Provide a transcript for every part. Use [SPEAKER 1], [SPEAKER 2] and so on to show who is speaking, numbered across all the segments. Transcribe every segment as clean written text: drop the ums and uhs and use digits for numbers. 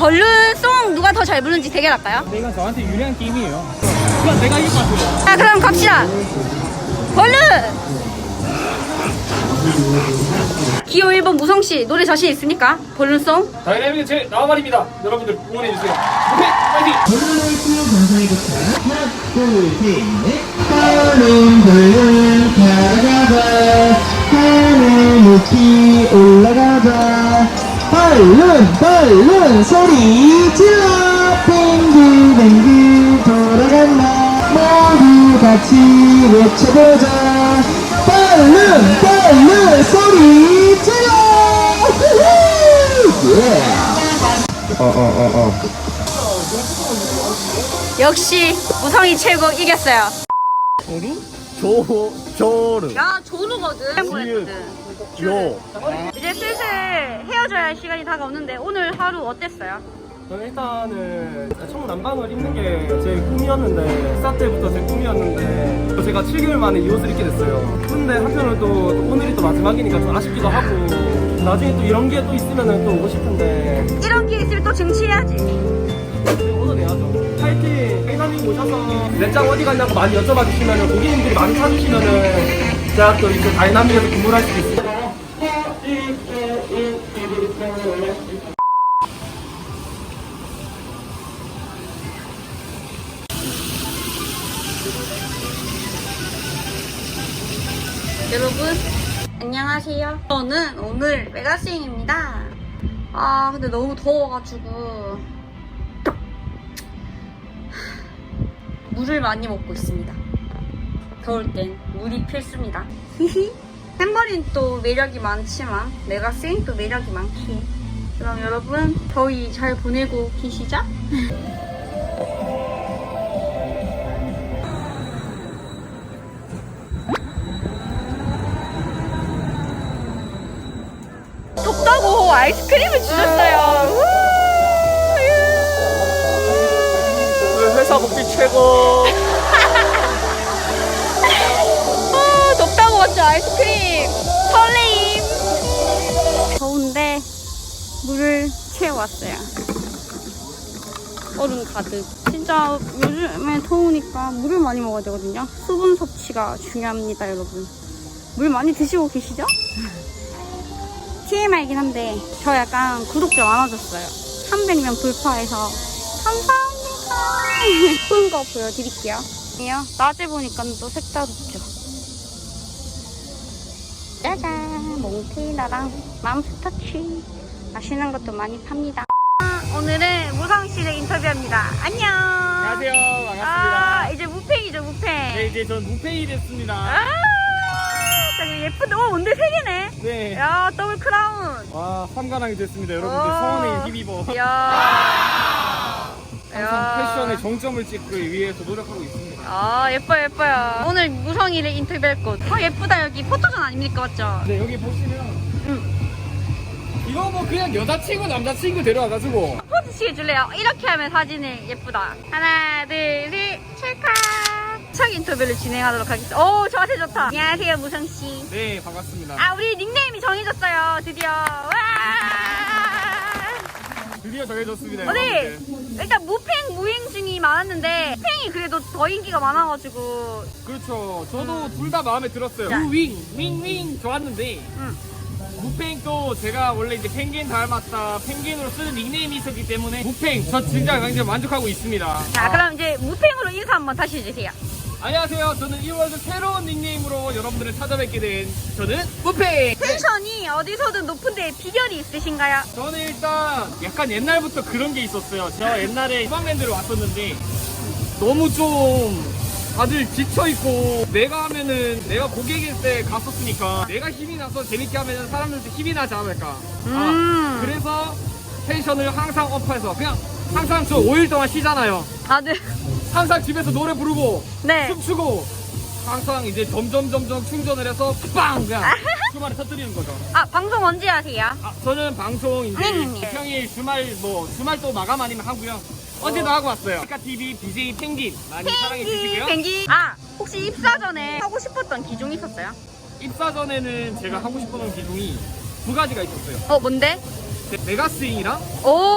[SPEAKER 1] 벌룬송 누가 더 잘 부르는지 대결할까요?
[SPEAKER 2] 근데 이건 저한테 유리한 게임이에요. 그건 내가 이길 것 같아요.
[SPEAKER 1] 자, 그럼 갑시다. 벌룬! 기호 1번 무성씨 노래 자신 있습니까? 벌룬송?
[SPEAKER 2] 다이내믹은 제 나와말입니다. 여러분들 응원해주세요. 오케이, 파이팅!
[SPEAKER 3] 하나, 둘, 셋, 넷. 벌룬 벌룬 가라가자 하늘 높이 올라가자 벌룬 벌룬 소리 질러 뱅글뱅글 돌아간다 모두 같이 외쳐보자 벌룬 벌룬 소리 질러
[SPEAKER 1] 역시 무성이 최고 이겼어요.
[SPEAKER 2] 조르.
[SPEAKER 1] 야, 조누거든.
[SPEAKER 2] 요.
[SPEAKER 1] 이제 슬슬 헤어져야 할 시간이 다가오는데 오늘 하루 어땠어요?
[SPEAKER 2] 저는 일단은 청남방을 입는 게 제 꿈이었는데 스타 때부터 제 꿈이었는데 제가 7개월 만에 이 옷을 입게 됐어요. 근데 한편으로 또 오늘이 또 마지막이니까 좀 아쉽기도 하고 나중에 또 이런 게 또 있으면 또 오고 싶은데
[SPEAKER 1] 이런 게 있으면 또 증치해야지.
[SPEAKER 2] 오늘 해야죠. 파이팅! 회사님 오셔서 넷장 어디 갔냐고 많이 여쭤봐 주시면 고객님들이 많이 찾으시면은 제가 또 이제 다이나믹에서 근무를 할 수도 있어요.
[SPEAKER 1] 여러분 안녕하세요. 저는 오늘 메가스잉입니다. 아 근데 너무 더워가지고 물을 많이 먹고 있습니다. 더울 땐 물이 필수입니다. 히히. 햄버린 또 매력이 많지만 메가스잉 또 매력이 많기. 그럼 여러분 더위 잘 보내고 계시죠? 덥다고 아이스크림을 주셨어요.
[SPEAKER 2] 회사 복지 최고.
[SPEAKER 1] 덥다고 맞죠? 아이스크림 설레임. 더운데 물을 채워왔어요. 얼음 가득. 진짜 요즘에 더우니까 물을 많이 먹어야 되거든요. 수분 섭취가 중요합니다, 여러분. 물 많이 드시고 계시죠? TMI이긴 한데 저 약간 구독자 많아졌어요. 300명 돌파해서 감사합니다. 예쁜 거 보여드릴게요. 낮에 보니까 또 색다르죠. 짜잔, 몽테이나랑 맘스터치 맛있는 것도 많이 팝니다. 오늘은 무성씨를 인터뷰합니다. 안녕.
[SPEAKER 2] 안녕하세요. 반갑습니다.
[SPEAKER 1] 이제 무팽이죠, 무팽.
[SPEAKER 2] 네, 이제 전 무페이 됐습니다.
[SPEAKER 1] 예쁜데, 뭔데 3개네?
[SPEAKER 2] 네.
[SPEAKER 1] 야, 더블 크라운.
[SPEAKER 2] 와, 삼가랑이 됐습니다. 여러분들 성원에 힘입어.
[SPEAKER 1] 야.
[SPEAKER 2] 항상 패션의 정점을 찍기 위해서 노력하고 있습니다.
[SPEAKER 1] 아, 예뻐요. 오늘 무성이를 인터뷰할 곳. 예쁘다, 여기. 포토존 아닙니까, 맞죠?
[SPEAKER 2] 네, 여기 보시면 이거 뭐 그냥 여자친구, 남자친구 데려와가지고
[SPEAKER 1] 포즈 취해줄래요? 이렇게 하면 사진이 예쁘다. 하나, 둘, 셋, 찰칵. 책 인터뷰를 진행하도록 하겠습니다. 오, 저한테 좋다. 안녕하세요, 무성씨.
[SPEAKER 2] 네, 반갑습니다.
[SPEAKER 1] 아, 우리 닉네임이 정해졌어요, 드디어. 와!
[SPEAKER 2] 드디어 정해졌습니다.
[SPEAKER 1] 네.
[SPEAKER 2] 여러분들.
[SPEAKER 1] 일단 무팽, 무행 중이 많았는데 팽이 그래도 더 인기가 많아가지고.
[SPEAKER 2] 그렇죠. 저도 둘 다 마음에 들었어요.
[SPEAKER 1] 자.
[SPEAKER 2] 무윙, 윙 좋았는데 무팽도 제가 원래 이제 펭귄 닮았다 펭귄으로 쓰는 닉네임이 있었기 때문에 무팽 저 진짜 굉장히 만족하고 있습니다.
[SPEAKER 1] 자, 그럼 이제 무팽으로 인사 한번 다시 해주세요.
[SPEAKER 2] 안녕하세요. 저는 2월에서 새로운 닉네임으로 여러분들을 찾아뵙게 된 저는 무팽.
[SPEAKER 1] 텐션이 어디서든 높은데 비결이 있으신가요?
[SPEAKER 2] 저는 일단 약간 옛날부터 그런 게 있었어요. 제가 옛날에 휴방랜드를 왔었는데 너무 좀 다들 지쳐있고 내가 하면은 내가 고객일 때 갔었으니까 내가 힘이 나서 재밌게 하면 사람들도 힘이 나지 않을까. 그래서 텐션을 항상 업해서 그냥 항상 저 5일 동안 쉬잖아요.
[SPEAKER 1] 아, 네.
[SPEAKER 2] 항상 집에서 노래 부르고
[SPEAKER 1] 네.
[SPEAKER 2] 춤추고 항상 이제 점점 충전을 해서 빵 그냥 주말에 터뜨리는 거죠.
[SPEAKER 1] 아, 방송 언제 하세요?
[SPEAKER 2] 저는 방송 이제
[SPEAKER 1] 네.
[SPEAKER 2] 평일 주말 또 마감 아니면 하고요. 언제도 하고 왔어요. TV BJ 펭귄 많이 사랑해 주시고요.
[SPEAKER 1] 펭귄. 아, 혹시 입사 전에 하고 싶었던 기종 있었어요?
[SPEAKER 2] 입사 전에는 제가 하고 싶었던 기종이 두 가지가 있었어요.
[SPEAKER 1] 뭔데?
[SPEAKER 2] 메가스윙이랑
[SPEAKER 1] 오,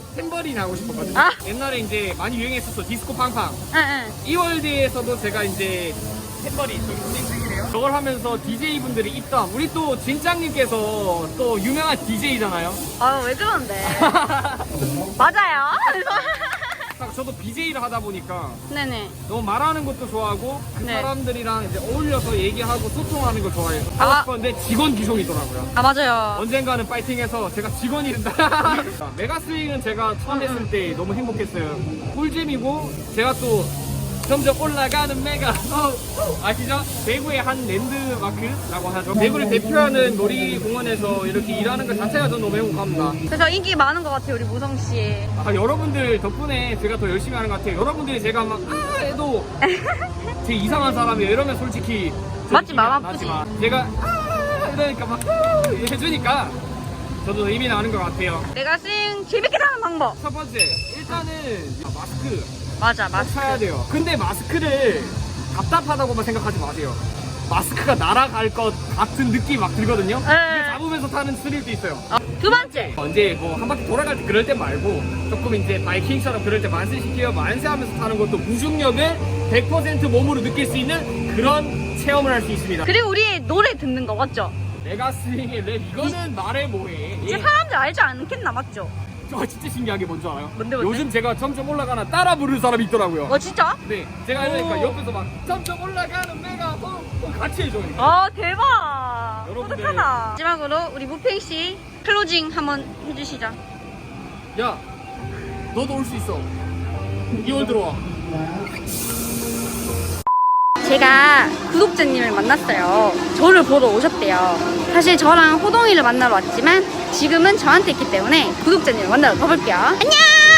[SPEAKER 2] 탬버린 하고 싶었거든요.
[SPEAKER 1] 아.
[SPEAKER 2] 옛날에 이제 많이 유행했었어. 디스코 팡팡.
[SPEAKER 1] 응.
[SPEAKER 2] 이월드에서도 제가 이제 탬버린 저기 진행이네요. 저걸 하면서 DJ 분들이 입담. 우리 또 진짱님께서 또 유명한 DJ잖아요.
[SPEAKER 1] 왜 그러는데? 맞아요.
[SPEAKER 2] 저도 BJ를 하다 보니까
[SPEAKER 1] 네네.
[SPEAKER 2] 너무 말하는 것도 좋아하고 그
[SPEAKER 1] 네.
[SPEAKER 2] 사람들이랑 이제 어울려서 얘기하고 소통하는 걸 좋아해서
[SPEAKER 1] 아.
[SPEAKER 2] 하고 싶었는데 직원 기종이더라고요.
[SPEAKER 1] 맞아요.
[SPEAKER 2] 언젠가는 파이팅해서 제가 직원이 된다. 메가스윙은 제가 처음 했을 때 너무 행복했어요. 꿀잼이고 제가 또 점점 올라가는 메가 아시죠? 대구의 한 랜드마크라고 하죠. 대구를 대표하는 놀이공원에서 이렇게 일하는 것 자체가 저는 너무 행복합니다.
[SPEAKER 1] 그래서 인기 많은 것 같아요, 우리 무성씨.
[SPEAKER 2] 여러분들 덕분에 제가 더 열심히 하는 것 같아요. 여러분들이 제가 막 해도 제 이상한 사람이에요. 이러면 솔직히
[SPEAKER 1] 맞지, 마음
[SPEAKER 2] 안
[SPEAKER 1] 아프지.
[SPEAKER 2] 나지만 제가 이러니까 막 해주니까 저도 의미 나는 것 같아요.
[SPEAKER 1] 내가 싱 재밌게 사는 방법.
[SPEAKER 2] 첫 번째 일단은 마스크
[SPEAKER 1] 맞아,
[SPEAKER 2] 꼭 사야 돼요. 근데 마스크를 답답하다고만 생각하지 마세요. 마스크가 날아갈 것 같은 느낌이 막 들거든요.
[SPEAKER 1] 네.
[SPEAKER 2] 근데 잡으면서 타는 스릴도 있어요.
[SPEAKER 1] 두 번째.
[SPEAKER 2] 언제 뭐 한 바퀴 돌아갈 때 그럴 때 말고 조금 이제 바이킹처럼 그럴 때 만세시켜요. 만세하면서 타는 것도 무중력을 100% 몸으로 느낄 수 있는 그런 체험을 할 수 있습니다.
[SPEAKER 1] 그리고 우리 노래 듣는 거 맞죠?
[SPEAKER 2] 메가스윙의 랩 이거는 말해 뭐해.
[SPEAKER 1] 이제 사람들 알지 않겠나, 맞죠?
[SPEAKER 2] 저 진짜 신기한 게 뭔지 알아요?
[SPEAKER 1] 뭔데?
[SPEAKER 2] 요즘 제가 점점 올라가나 따라 부르는 사람이 있더라고요.
[SPEAKER 1] 진짜?
[SPEAKER 2] 네, 제가 하니까
[SPEAKER 1] 오.
[SPEAKER 2] 옆에서 막 점점 올라가는 메가 같이 해줘요.
[SPEAKER 1] 대박.
[SPEAKER 2] 여러분들.
[SPEAKER 1] 뿌듯하다. 마지막으로 우리 무팽씨 클로징 한번 해주시죠.
[SPEAKER 2] 야, 너도 올 수 있어. 2월 들어와.
[SPEAKER 1] 제가 구독자님을 만났어요. 저를 보러 오셨대요. 사실 저랑 호동이를 만나러 왔지만 지금은 저한테 있기 때문에 구독자님을 만나러 가볼게요. 안녕!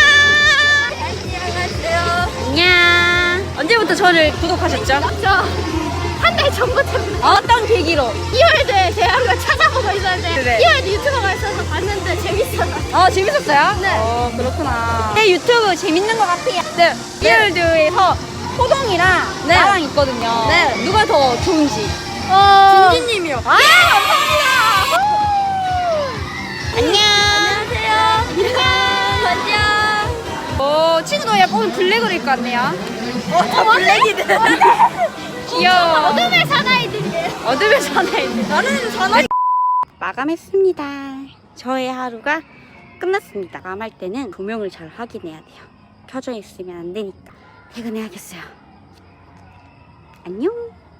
[SPEAKER 1] 안녕하세요. 안녕. 언제부터 저를 구독하셨죠?
[SPEAKER 4] 한 달 전부터
[SPEAKER 1] 어떤 계기로?
[SPEAKER 4] 2월도에 제가 한번 찾아보고 있었는데
[SPEAKER 1] 네.
[SPEAKER 4] 2월도 유튜버가 있어서 봤는데 재밌어서
[SPEAKER 1] 재밌었어요?
[SPEAKER 4] 네.
[SPEAKER 1] 그렇구나. 제 유튜브 재밌는 것 같아요. 네. 리얼드에서 호동이랑
[SPEAKER 4] 네.
[SPEAKER 1] 나랑 있거든요.
[SPEAKER 4] 네.
[SPEAKER 1] 누가 더 좋은지.
[SPEAKER 4] 진진님이요.
[SPEAKER 1] 감사합니다. 안녕.
[SPEAKER 4] 안녕하세요. 안녕.
[SPEAKER 1] 친구도 약간 오늘 블랙으로 입고 왔네요.
[SPEAKER 4] 다 블랙이네.
[SPEAKER 1] 귀여워.
[SPEAKER 4] 어둠의 사나이들이에요.
[SPEAKER 1] 어둠의 사나이. 나는 사나이. 마감했습니다. 저의 하루가 끝났습니다. 마감할 때는 조명을 잘 확인해야 돼요. 켜져 있으면 안 되니까. 퇴근해야겠어요. 안녕.